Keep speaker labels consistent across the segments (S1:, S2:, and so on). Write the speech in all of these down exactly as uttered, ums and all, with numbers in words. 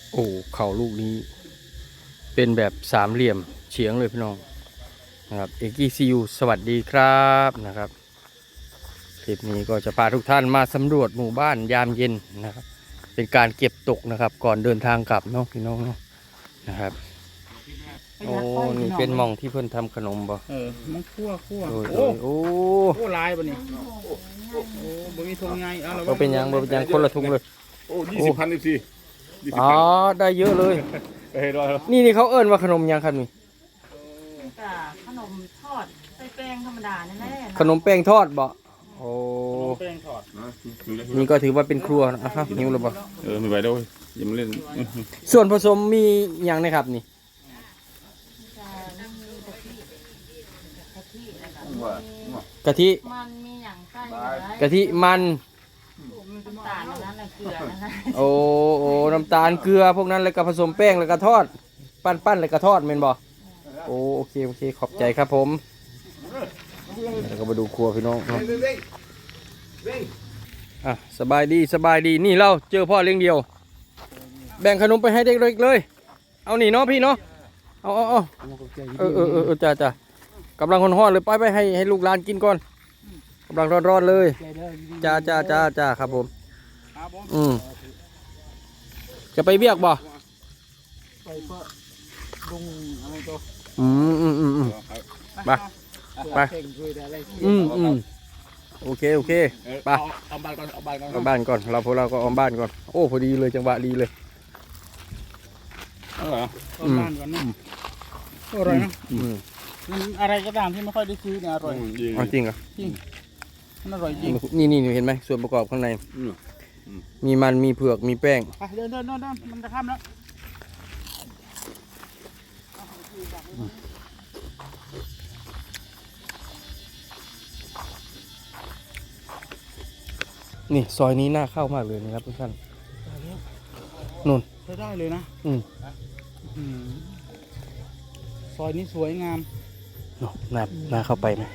S1: โอ้เข่าลูกนี้เป็นแบบสามเหลี่ยมเฉียงเลยพี่น้องนะครับเอกีซียูสวัสดีครับนะครับคลิปนี้ก็จะพาทุกท่านมาสำรวจหมู่บ้านยามเย็นนะครับเป็นการเก็บตกนะครับก่อนเดินทางกลับเนาะพี่น้องเนาะนะครับโอ้นี่เป็นหม่องที่เพิ่นทำขนมบ่
S2: เออมันคั่วคั่ว
S1: โอ้ย
S2: โอ้
S1: โอ้
S2: โอ้ลายบ่นี่โอ้บ่มีทงไงเอาละ
S1: บ่เป็นหยังบ่เป็นหยังคนละถุงเลย
S3: โอ้ยี่สิบพันอีกสิ
S1: อ๋อได้เยอะเลย
S3: เฮ้ยรอ
S1: นี่นี่เขาเอิ้นว่าขนมหยังครับนี่
S4: จ้ะขนมทอดใส่แป้งธรรมดาแน่ๆ
S1: ขนมแป้งทอดบ่โอ้
S2: แป้งทอด
S1: นี่ก็ถือว่าเป็นครัวนะครับหิวแล้วบ่
S3: เออไม่ไหวด้วยยังไม่เล่น
S1: ส่วนผสมมีอย่างนะครับนี่
S4: จะมีกะทิกะทิแล้วก็มี
S1: กะทิ
S4: มันมีอย่างใกล้
S1: กะทิมัน
S4: มีน้ำตาลอันนั้นน่ะเกลืออันนั้น
S1: โอ้โอ้น้ำตาลเกลือพวกนั้นแล้วก็ผสมแป้งแล้วก็ทอด ปั้นปั้นแล้วก็ทอดแม่นบ่โอ้โอเคโอเคขอบใจครับผมแล้วก็มาดูครัวพี่น้องเนาะอ่ะสบายดีสบายดีนี่เราเจอพ่อเลี้ยงเดียว แบ่งขนมไปให้เด็กๆเลยเอานี่เนาะพี่เนาะเอาเอาเอาเออเออเออเออจ้าจ้ากำลังร้อนๆเลยไปไปให้ให้ลูกหลานกินก่อนกำลังร้อนๆเลยจ้าจ้าจ้าจ้าครับผมอืมจะไปเบียกบ่
S2: ไปเพื่อลุงอะไรตัว
S1: อืมอืมอืมอืมไปไปอืมอืมโอเคโอเคไป
S2: เอาบ้านก่อนเอาบ้านก่อน
S1: เอาบ้านก่อนเราพวกเราก็เอาบ้านก่อนโอ้พอดีเลยจังหวะดีเลย
S3: เอาเหรอ
S2: เอาบ้านก่อนนะอร่อยนะ
S1: อืม
S2: มันอะไรก็ตามที่ไม่ค่อยได้ซื้อเนี่ยอร่อย
S1: เอาจริงเหรอ
S2: จริงมันอร่อยจริง
S1: นี่นี่เห็นไหมส่วนประกอบข้างในมีมันมีเผือกมีแป้ง
S2: ไปเดินเดินเดินเดินมันจะข้ามแล้ว
S1: นี่ซอยนี้น่าเข้ามากเลยนะครับทุกท่านนู่น
S2: ใช้ได้เลยนะ
S1: อืม
S2: อืมซอยนี้สวยงาม
S1: เนาะน่าน่าเข้าไปไหม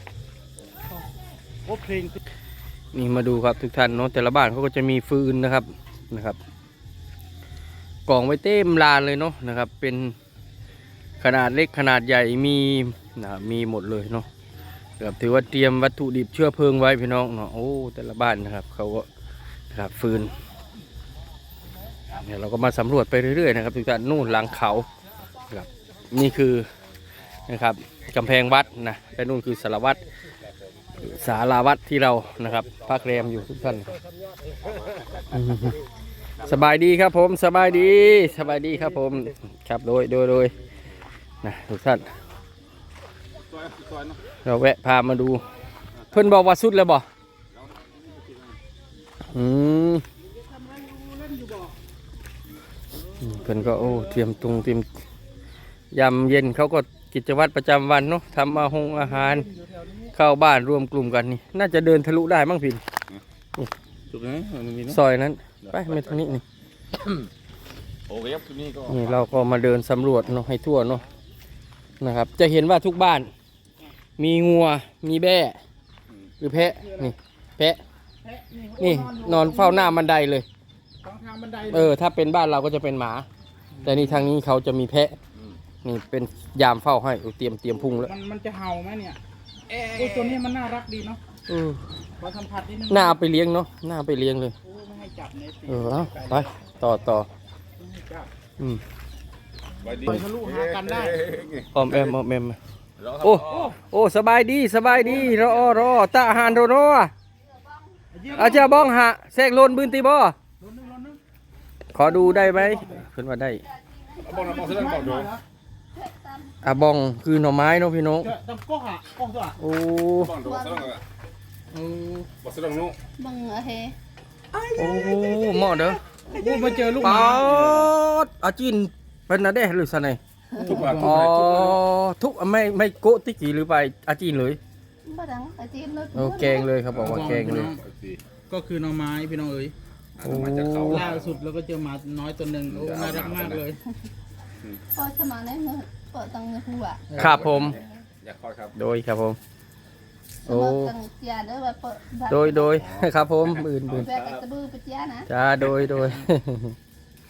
S2: โอ้เพลง
S1: นี่มาดูครับทุกท่านเนาะแต่ละบ้านเขาก็จะมีฟืนนะครับนะครับกองไว้เต็มลานเลยเนาะนะครับ เป็นขนาดเล็กขนาดใหญ่มีนะครับมีหมดเลยเนาะครับถือว่าเตรียมวัตถุดิบเชื้อเพลิงไว้พี่น้องเนาะโอ้แต่ละบ้านนะครับเขาก็นะครับฟืนเนี่ยเราก็มาสำรวจไปเรื่อยๆนะครับทุกท่านนู่นหลังเขาครับนี่คือนะครับกำแพงวัดนะและนู่นคือสารวัตรสาราวัดที่เรานะครับพักแรมอยู่ทุกท่านอืมสบายดีครับผมสบายดีสบายดีครับผมครับโดยโดยโดยนะทุกท่านเราแวะพามาดูเพิ่นบอกว่าสุดแล้วบ่อืมเพิ่นก็โอ้เตรียมตรงเตรียมยามเย็นเขาก็กิจวัตรประจำวันเนาะทำอาหงอาหารเข้าบ้านรวมกลุ่มกันนี่น่าจะเดินทะลุได้มั้งพี่
S3: จุดนี้มันมีเนาะ
S1: ซอยนั้นไปไม่ทางนี้นี่
S3: โอเคครับจุดนี้ก็
S1: นี่เราก็มาเดินสำรวจเนาะให้ทั่วเนาะนะครับ จะเห็นว่าทุกบ้าน มีงัวมีแบ่หรือแพะนี่แพะนี่นอนเฝ้าหน้าบันไดเลย
S2: สองทางบันได
S1: เออถ้าเป็นบ้านเราก็จะเป็นหมา แต่นี่ทางนี้เขาจะมีแพะนี่เป็นยามเฝ้าให้เอาเตรียมเตรียมพุงแล้ว
S2: มันมันจะเห่าไหมเนี่ยโอ้ตัวนี้มันน่ารักดีเนาะ
S1: เออ
S2: ขอสัมผัสนิดนึง
S1: หน้าเอาไปเลี้ยงเนาะหน้าเอาไปเลี้ยงเลย
S2: โอ้ไม่ให้จับเนี่ยสิ
S1: เออเอาไปต่อต่อ
S2: ไม่ให้จับ
S1: อืม
S3: ไปดี
S2: ปล่อยทะลุหากันได้
S1: ออมแอมออมแอมโอ้โอ้สบายดีสบายดีรอรอตาอาหารโรโนอาจารย์บ้องหะแซกโลนบืนตีบ่
S2: รถนึงรถนึง
S1: ขอดูได้ไหมเพิ่นว่าได้
S3: บอกนะบอกเสร็จแล้วบอกดู
S1: อาบองคือหน่อไม้เนาะพี่น้อง
S2: จะดำก๊อกอ่ะก๊อกตัวอ่ะ
S1: โอ้
S3: บอกดูบอกเสร็จแล้ว
S2: เออ
S3: บอกเสร็จแล้วนู้
S4: บังเอเฮ
S1: โอ้เหมาะเด้อ
S2: โอ้มาเจอลูกห
S1: ป๊า
S2: มา
S1: ดอาจินเป็นนะเด้หรือสะไหน
S3: ทุกบาททุก
S1: อ๋อบ
S3: าททุกบาท
S1: ทุกไม่ไม่โกะติกีหรือไปอาจินเลย
S4: บ้าดังไอจีนเลย
S1: โอ้แกงเลยครับบอกว่าแกงเลย
S2: ก็คือหน่อไม้พี่น้องเอ๋ย
S1: โอ้
S3: มาจากเขา
S2: ล่าสุดเราก็เจอหมาน้อยตัวหนึ่งโอ้น่ารักมากเลย
S4: พอสมาเนี่ยเมื่อเปิดตังหัว
S1: ครับผม
S3: อยากคอยครับ
S1: โดยครับผม
S4: สมตังยาด้วยว่าเปิด
S1: โดยโดยครับผมมื่นมื่น
S4: แบกกระบือไปจ้านะ
S1: จ้าโดยโดย
S3: ไป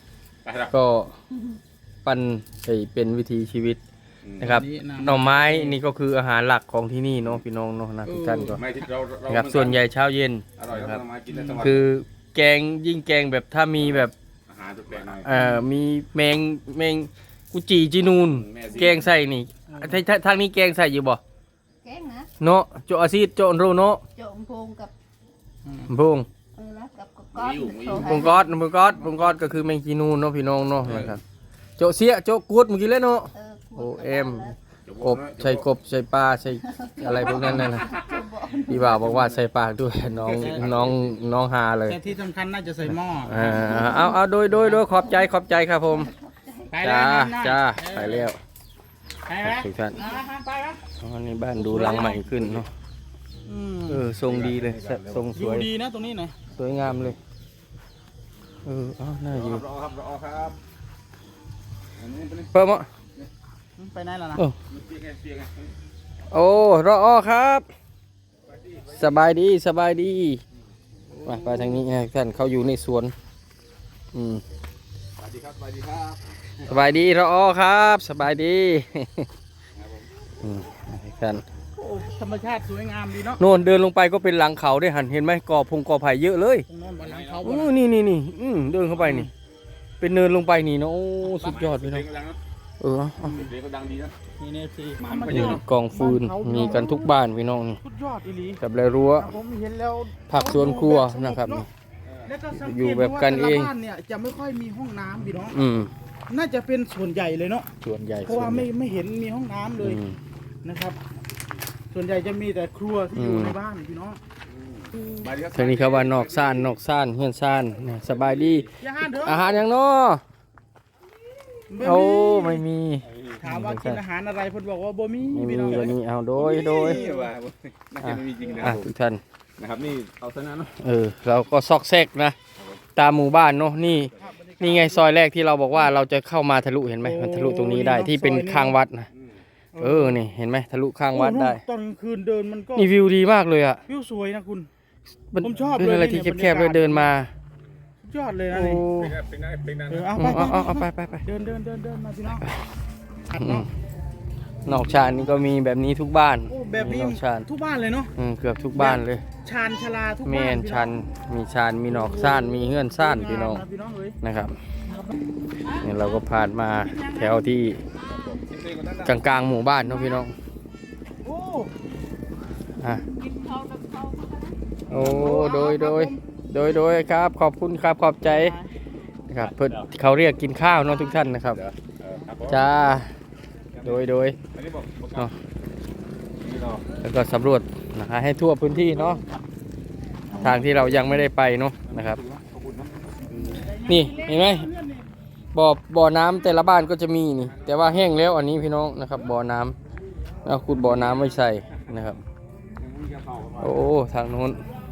S3: ไปครับ
S1: ก็ปั้นไปเป็นวิถีชีวิต
S3: อืม
S1: นะครับหน่อไม้นี่ก็คืออาหารหลักของที่นี่เนาะพี่น้องเนาะนะทุกท่านก็
S3: ไม่ที่เราเรา
S1: นะครับส่วนใหญ่เช้าเย็น
S3: อร่อย
S1: นะ
S3: ค
S1: ค
S3: รั
S1: รั
S3: บบ มากินได้ทั้งวัน
S1: คือแกงยิ่งแกงแบบถ้ามีแบบ
S3: อาหารแปลกๆหน่อย
S1: เอ่อมีแมงแมงกุจีจีนูน
S3: แม่สิ
S1: แกงใส่นี่ทางทางทางนี้แกงใส่อยู่บ่
S4: แกงนะ
S1: เนาะโจอาซีดโจอนโรเนาะ
S4: โจมพงกับ
S1: พง
S4: เออแล้วกับกับก้อนโชว์
S1: พงกอดพงกอดพงกอดก็คือแมงจีนูนเนาะพี่น้องเนาะนะครับโจเสียโจกูดเมื่อกี้แล้วเนาะ
S4: เออ
S1: โอเอ็ม กบใส่กบใส่ปลาใส่อะไรพวกนั้นนะพี่บ่าวบอกว่าใส่ปากด้วยน้องน้องน้องฮาเลย
S2: แต่ที่สำคัญน่าจะใส่หม้อ
S1: อ่าเอาเอาโดยโดยโดยขอบใจขอบใจครับผม
S2: ไปแล้
S1: จ้าว
S2: นั่นน่ะ
S1: จ้า
S2: เออ
S1: ไปแล้ว
S2: ไปแล้ว
S1: ทุกท่าน
S2: อ่าฮะไปแล้ว
S1: อ๋อนี่บ้านดูหลังใหม่ขึ้นเนาะ
S2: อืม
S1: เออทรงดีเลยทรงส
S2: อยู่
S1: วย
S2: ดีนะตรงนี้นะ
S1: สวยงามเลยเออเอาน่าอยู่
S3: รอครับรอครับอันนี้เป็น
S1: เพิ่มอ่ะ
S2: ไปไหนแล้วนะ
S1: เออ
S3: เปียกไงเปียกไง
S1: โอ้รออครับ สบายดีสบายดีมาไปทางนี้นะท่านเขาอยู่ในสวนอืม
S3: สวัสดีครับสวัสดีครับ
S1: สบายดีรออครับสบายดีอืมท่าน
S2: โอ้ธรรมชาติสวยงามดีเนาะ
S1: โน่นเดินลงไปก็เป็นหลังเขาได้หันเห็นไหมกอพงกอไผ่เยอะเลย
S2: ตรงโน้นบนหลังเขาบ
S1: โอ้
S2: น
S1: นี่นี่นี่อืมเดินเข้าไปนี่ เป็นเนินลงไปนี่เนาะโอ้สุดยอดพี่น้อง
S3: เสียงก็ดังนะ
S1: เออเอาเอา
S3: เสียงก็ดังดีนะ
S2: นี่เนี่ยสิ
S3: หมา
S2: ธรรม
S3: มันก็เย
S2: ชา
S3: อะ
S2: ติ
S1: กองฟืนมีกันทุกบ้านพี่น้องนี่
S2: สุดยอดอีหลี
S1: กับไรรั้ว
S2: ผมเห็นแล้ว
S1: ผักสวนครัวนะครับนี่
S2: แล้วก็สังเกต
S1: อยู่แบบกันเอง
S2: ว่าแต่ละบ้านเนี่ยจะไม่ค่อยมีห้องน้ำพี่น้อง
S1: อืม
S2: น่าจะเป็นส่วนใหญ่เลยเนาะ
S1: ส่วนใหญ่
S2: เพราะว่าไม่ไม่เห็นมีห้องน้ำเลย
S1: อืม
S2: นะครับ ส่วนใหญ่จะมีแต่ครัวที่อยู่
S1: อืม
S2: ในบ้านพี่น้อง
S3: มาดีครับ
S1: ทางนี้เขาว่านอกซ่านนอกซ่านเฮือนซ่านนี่สบายดี
S2: อย่าห้ามเถอะ
S1: อาหารยังเนาะ
S2: บ่มี
S1: โอ้ไม่มี
S2: ถามว่ากินอาหารอะไรเพิ่นบอกว่าบ่มี
S1: ไม่มี
S2: พี่น้อง
S1: วันนี้เอาโดยโดย
S3: นี่ว่าน่าจะไม่มีจริงนะค
S1: อ่ะ
S3: รับ
S1: ทุกท่าน
S3: นะครับนี่เอาซะนะเนาะ
S1: เออเราก็ซอกแซกนะตามหมู่บ้านเนาะนี่นี่ไงซอยแรกที่เราบอกว่าเราจะเข้ามาทะลุเห็นไหมมันทะลุตรงนี้ได้ที่เป็นข้างวัดนะเออนี่เห็นไหมทะลุข้างวัดได้
S2: โอ้โหตอนกลางคืนเดินมันก็
S1: นี่วิวดีมากเลยอ่ะ
S2: วิวสวยนะคุณ
S1: มัน
S2: ผมชอบ
S1: เป็นอะไร
S2: เลย
S1: ที่
S2: เนี่ย
S1: แคบๆเลย
S2: บรรยากาศ
S1: เดินมา
S2: สุดยอดเลยนะ
S1: โอ้
S2: นี่
S3: เป็นไงเป็นไงเป็นไง
S2: เออเอา
S1: อื
S2: ไป
S1: ม
S2: ไป
S1: เอาเอาเอาไปไปไป
S2: เดินเดินเดินเดินมาพี่น้อง
S1: อืมนอกชานนี่ก็มีแบบนี้ทุกบ้าน
S2: โอ้แบบนี้
S1: นอกชาน
S2: ทุกบ้านเลยเนาะ
S1: อืมเกือบทุกบ้านเลย
S2: ชานชลาทุก
S1: แม
S2: บ้าน
S1: น
S2: พี่
S1: ชันมีชานมีนอกซ่านมีเฮือนซ่านพี่น้อง
S2: งามะพี่น้องเอ้ย
S1: นะครับนี่เราก็ผ่านมาแถวที่กลางๆหมู่บ้านเนาะพี่น้อง
S2: โอ้
S1: อ่ะ
S4: กินเขากับเขา
S1: โอ้โดยโดยโดยโดยครับขอบคุณครับขอบใจนะครับเพื่อเขาเรียกกินข้าวเนาะทุกท่านนะครับ
S3: เดี๋ยวเออครับผม
S1: จ้าโดยโดย
S3: อันนี้บอกบอก
S1: เนาะ
S3: นี่เนาะ
S1: แล้วก็สำรวจนะให้ทั่วพื้นที่เนาะทางที่เรายังไม่ได้ไปเนาะนะครับ
S3: ขอบคุณนะ
S1: นี่เห็นไหมบ่อบ่อน้ำแต่ละบ้านก็จะมีนี่ แต่ว่าแห้งแล้วอันนี้พี่น้องนะครับบ่อน้ำแล้วขุดบ่อน้ำไว้ใส่นะครับ โอ้ทางโน้น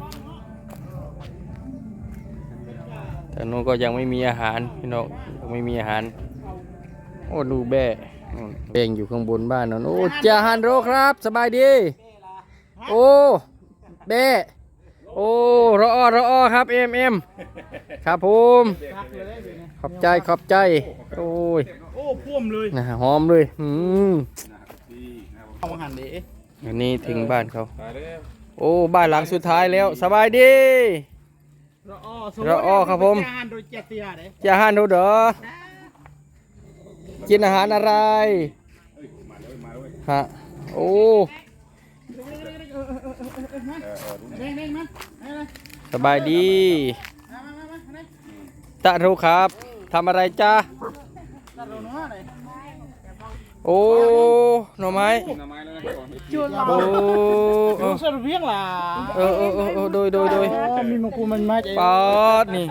S1: ทางโน้นก็ยังไม่มีอาหารพี่น้องยังไม่มีอาหารโอ้ดูแบ่นู่นแบ่งอยู่ข้างบนบ้านนั่นโอ้เจ้าฮันโรครับสบายดีโอ้แบ่โอ้รอรอครับเอ็มเอ็มครับผม
S2: พักเลยเดี๋ยวนี้
S1: ขอบใจขอบใจโอ้ย
S2: โอ้พ่วมเลย
S1: นะหอมเลยอืม
S3: ดีนะครับผม
S2: เอาอาหารเด๋
S1: อันนี้ถึงบ้านเขา
S3: ไปเลย
S1: โอ้บ้านหลังสุดท้ายแล้วสบายดี
S2: รอ
S1: รอครับผม
S2: อาหารโดยเจติยาเด้
S1: จะหันดูเด้อกินอาหารอะไร
S3: มาเลยมาเลย
S1: ฮะโอ้
S2: เด้งเด้งมาเด้งเลย
S1: สบายดี
S2: มามามามาเด้ง
S1: ตะรู้ครับทำอะไรจ้า
S2: ตัดเราเนาะเลย
S1: โอ้หน่อไม้
S3: กินหน่อไม้แล้วนะครับผม
S2: จวนเรา
S1: โอ้เอ
S2: ดู
S1: อ
S2: สรุปเพียงล่ะ
S1: เออเออเออเออโดยโดยโดย
S2: อ๋อมีมะกูมันมาใจ
S1: ปอดนี่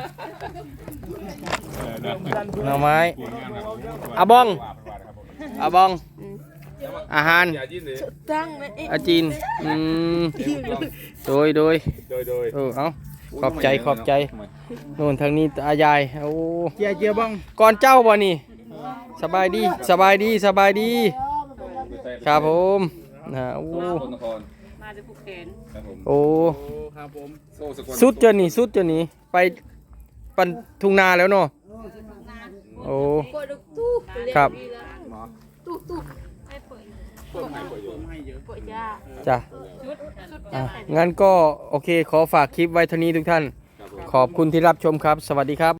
S1: หน่อไม้อาบองอาบอง อาหาร
S3: อย่ายิ้มเลย
S4: ตั้งเลย
S1: อาจีนอืมโดยโดย
S3: โดยโดย
S1: เออเอาขอบใจขอบใจโน่นทางนี้อายายโอ้
S2: เจียเจียบ้อง
S1: ก่อนเจ้าบ่นี่สบายดีสบายดีสบายดี ครับผมนะโอ้
S3: คนนคร
S4: มาจากภูเก็ต
S3: ครับผม
S1: โอ้
S2: โอ้ครับผม
S3: โซ่สกล
S1: สุดจะหนีสุดจะหนีไปปันทุ่งนาแล้วเนาะ
S4: นาโอ้
S1: โอ้
S4: กดตู้ตู้
S1: ครับ
S3: หมอ
S4: ตู้ตู้ให้เปิด
S3: เพิ่มให้ประโยชน์
S2: ให้เยอะ
S4: เปิดยา
S1: จ้ะ
S4: ชุดชุด
S1: อ่ะ
S4: ยา
S1: งั้นก็โอเคขอฝากคลิปไว้เท่านี้ทุกท่าน
S3: ครับผม
S1: ขอบคุณที่รับชมครับ สวัสดีครับ